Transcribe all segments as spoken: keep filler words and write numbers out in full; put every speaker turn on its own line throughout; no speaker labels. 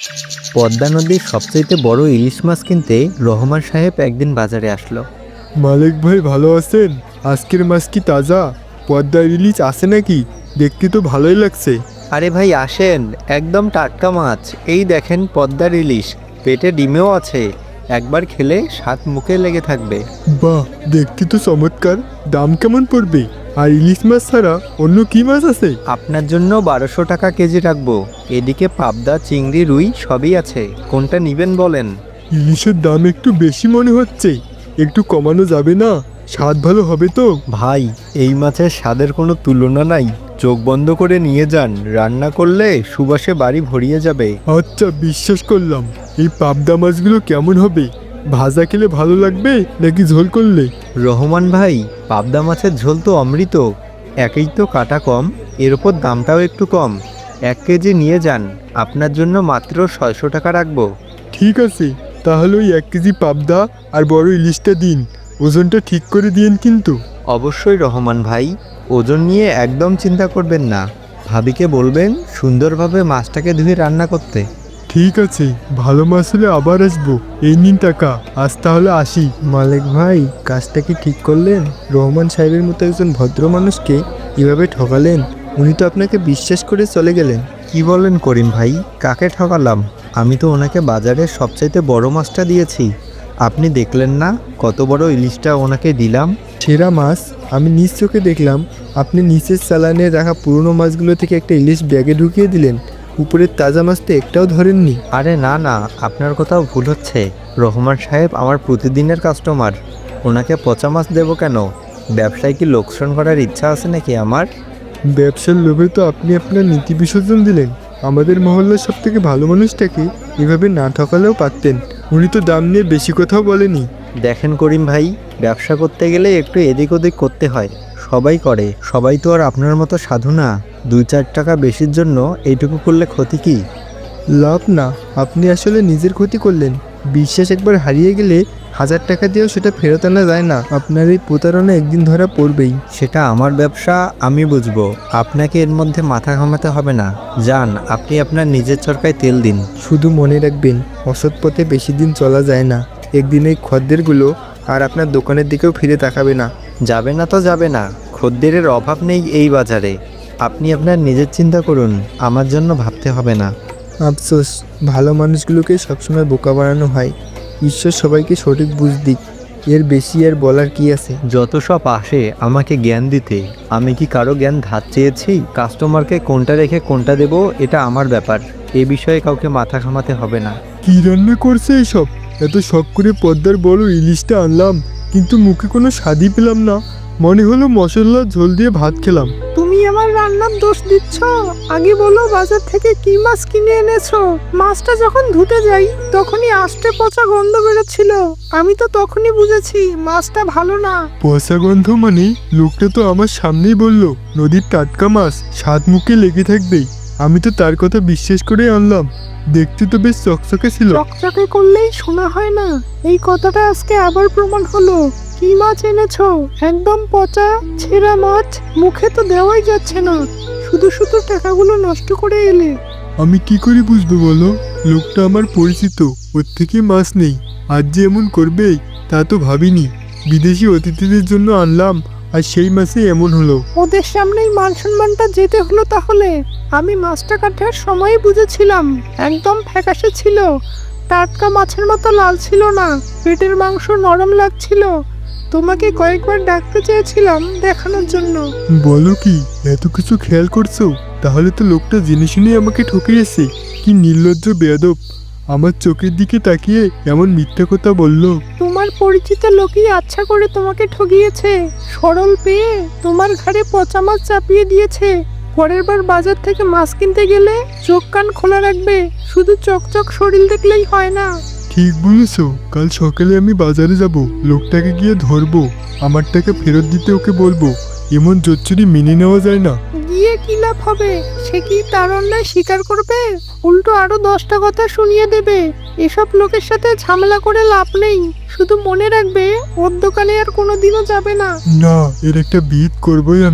পদ্মা নদীর সবচাইতে বড় ইলিশ মাছ কিনতে রহমান সাহেব একদিন বাজারে আসলো।
মালিক ভাই ভালো আছেন? আজকের মাছ কি তাজা? পদ্মার ইলিশ আছে নাকি? দেখতে তো ভালোই লাগছে।
আরে ভাই আসেন, একদম টাটকা মাছ। এই দেখেন পদ্মার ইলিশ, পেটে ডিমেও আছে। একবার খেলে স্বাদ মুখে লেগে থাকবে।
বাহ, দেখতে তো চমৎকার। দাম কেমন পড়বে? আর ইলিশ মাছ ছাড়া অন্য কি মাছ আছে?
আপনার জন্য বারোশো টাকা কেজি রাখবো। এদিকে পাবদা, চিংড়ি, রুই সবই আছে। কোনটা নিবেন বলেন?
ইলিশের দাম একটু বেশি মনে হচ্ছে, একটু কমানো যাবে না? স্বাদ ভালো হবে তো?
ভাই, এই মাছের স্বাদের কোনো তুলনা নাই। চোখ বন্ধ করে নিয়ে যান, রান্না করলে সুবাসে বাড়ি ভরিয়ে যাবে।
আচ্ছা, বিশ্বাস করলাম। এই পাবদা মাছগুলো কেমন হবে? ভাজা খেলে ভালো লাগবে নাকি ঝোল করলে?
রহমান ভাই, পাবদা মাছের ঝোল তো অমৃত। একেই তো কাটা কম, এর ওপর দামটাও একটু কম। এক কেজি নিয়ে যান, আপনার জন্য মাত্র ছয়শো টাকা রাখবো।
ঠিক আছে, তাহলে ওই এক কেজি পাবদা আর বড় ইলিশটা দিন। ওজনটা ঠিক করে দিন কিন্তু।
অবশ্যই রহমান ভাই, ওজন নিয়ে একদম চিন্তা করবেন না। ভাবিকে বলবেন সুন্দরভাবে মাছটাকে ধুয়ে রান্না করতে।
ঠিক আছে, ভালো মাছ হলে আবার আসবো। এই নিন টাকা, আজ তাহলে আসি। মালিক ভাই, কাজটা কি ঠিক করলেন? রহমান সাহেবের মতো একজন ভদ্র মানুষকে এভাবে ঠকালেন। উনি তো আপনাকে বিশ্বাস করে চলে গেলেন।
কি বলেন করিম ভাই, কাকে ঠকালাম? আমি তো ওনাকে বাজারের সবচাইতে বড় মাছটা দিয়েছি। আপনি দেখলেন না কত বড় ইলিশটা ওনাকে দিলাম?
সেরা মাছ আমি নিজ চোখে দেখলাম। আপনি নিচের চালানে রাখা পুরনো মাছগুলো থেকে একটা ইলিশ ব্যাগে ঢুকিয়ে দিলেন। উপরের তাজা মাছ তো একটাও ধরেননি।
আরে না না, আপনার কোথাও ভুল হচ্ছে। রহমান সাহেব আমার প্রতিদিনের কাস্টমার, ওনাকে পচা মাছ দেবো কেন? ব্যবসায় কি লোকসান করার ইচ্ছা আছে নাকি আমার?
ব্যবসার লোভে তো আপনি আপনার নীতি বিসর্জন দিলেন। আমাদের মহল্লার সব থেকে ভালো মানুষটাকে এভাবে না ঠকালেও পারতেন। উনি তো দাম নিয়ে বেশি কথাও বলেনি।
দেখেন করিম ভাই, ব্যবসা করতে গেলে একটু এদিক ওদিক করতে হয়। সবাই করে, সবাই তো আর আপনার মতো সাধু না। দুই চার টাকা বেশির জন্য এইটুকু করলে ক্ষতি কি?
লাভ না, আপনি আসলে নিজের ক্ষতি করলেন। বিশ্বাস একবার হারিয়ে গেলে হাজার টাকা দিয়েও সেটা ফেরত আনা যায় না। আপনার এই প্রতারণা একদিন ধরা পড়বেই।
সেটা আমার ব্যবসা, আমি বুঝবো। আপনাকে এর মধ্যে মাথা ঘামাতে হবে না। যান, আপনি আপনার নিজের চরকায় তেল দিন।
শুধু মনে রাখবেন, অসৎ পথে বেশি দিন চলা যায় না। একদিন এই খদ্দেরগুলো আর আপনার দোকানের দিকেও ফিরে তাকাবে না।
যাবে না তো যাবে না, খদ্দেরের অভাব নেই এই বাজারে। আপনি আপনার নিজের চিন্তা করুন, আমার জন্য ভাবতে হবে না।
আফসোস, ভালো মানুষগুলোকে সবসময় বোকা বানানো হয়। ঈশ্বর সবাইকে সঠিক বুঝ দিক। এর বেশি আর বলার কি আছে?
যত সব আসে আমাকে জ্ঞান দিতে, আমি কি কারো জ্ঞান ধার চেয়েছি? কাস্টমারকে কোনটা রেখে কোনটা দেব, এটা আমার ব্যাপার। এ বিষয়ে কাউকে মাথা ঘামাতে হবে না।
কি রান্না করছে এসব? এত শখ করে পদ্মার বড় ইলিশটা আনলাম, কিন্তু মুখে কোনো স্বাদই পেলাম না। মনে হলো মশলা ঝোল দিয়ে ভাত খেলাম।
তুমি আমার রান্নার দোষ দিচ্ছ? আগে বলো বাজার থেকে কি মাছ কিনে এনেছো? মাছটা যখন ধুতে যাই তখনই আষ্টে পচা গন্ধ বেরোচ্ছিল। আমি তো তখনই বুঝেছি মাছটা ভালো না।
পচা গন্ধ মানে? লোকটা তো আমার সামনেই বলল নদীর টাটকা মাছ, স্বাদ মুখে লেগে থাকবেই। আমি তো তার কথা বিশ্বাস করে আনলাম। দেখতে তো বেশ চকচকে ছিল।
চকচকে করলেই শোনা হয় না, এই কথাটা আজকে আবার প্রমাণ হলো। কি মাছ এনেছো? একদম পচা ছেঁড়া মাছ, মুখে তো দেওয়াই যাচ্ছে না। শুধু শুধু টাকাগুলো নষ্ট করে এলে।
আমি কি করে বুঝবো বলো? লোকটা আমার পরিচিত, ওর থেকে মাছ নেই। আজ যে এমন করবে তা তো ভাবিনি। বিদেশি অতিথিদের জন্য আনলাম, আর সেই মাসে এমন হলো।
ওদের সামনেই মান সম্মানটা যেতে হলো তাহলে। আমি মাছটা কাটার সময় বুঝেছিলাম, একদম ফ্যাকাশে ছিল। টাটকা মাছের মতো লাল ছিল না, পেটের মাংস নরম লাগছিল। তোমাকে কয়েকবার ডাকতে চেয়েছিলাম দেখানোর জন্য।
বলো কি, এত কিছু খেয়াল করছো? তাহলে তো লোকটা জেনে শুনে আমাকে ঠকিয়েছে। কি নির্লজ্জ বেয়াদব! আমার চোখের দিকে তাকিয়ে এমন মিথ্যা কথা বললো।
তোমার পরিচিত লোকই আচ্ছা করে তোমাকে ঠকিয়েছে। সরল পেয়ে তোমার ঘাড়ে পচা মাছ চাপিয়ে দিয়েছে। পরের বার বাজার থেকে মাছ কিনতে গেলে চোখ কান খোলা রাখবে। শুধু চকচক শরীর দেখলেই হয় না।
ঠিক বলেছো, কাল সকালে আমি বাজারে যাব, লোকটাকে গিয়ে ধরবো। আমার টাকা ফেরত দিতে ওকে বলবো। এমন জোচ্চুরি মেনে নেওয়া যায় না।
গিয়ে কি লাভ হবে? সে কি তার অন্যায় স্বীকার করবে? উল্টো আরো দশটা কথা শুনিয়ে দেবে। এসব লোকের সাথে ঝামেলা করে লাভ নেই। শুধু মনে রাখবে, ওর দোকানে আর কোনোদিনও যাবে না।
না, এর একটা বিহিত করবোই আমি।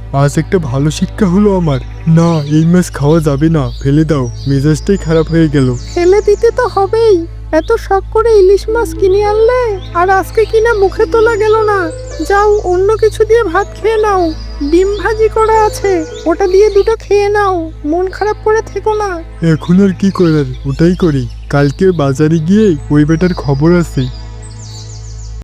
আজ একটা ভালো শিক্ষা হলো আমার। না, এই মাছ খাওয়া যাবে না, ফেলে দাও, মেজাজটাই খারাপ হয়ে গেল।
ফেলে দিতে তো হবেই। এত শখ করে ইলিশ মাছ কিনে আনলে আর আজকে কিনা মুখে তোলা গেল না। যাও অন্য কিছু দিয়ে ভাত খেয়ে নাও। ডিম ভাজি করা আছে, ওটা দিয়ে দুটো খেয়ে নাও। মন খারাপ করে থেকো না।
এখন আর কি করার, ওটাই করি। কালকে বাজারে গিয়ে ওই বেটার খবর আছে,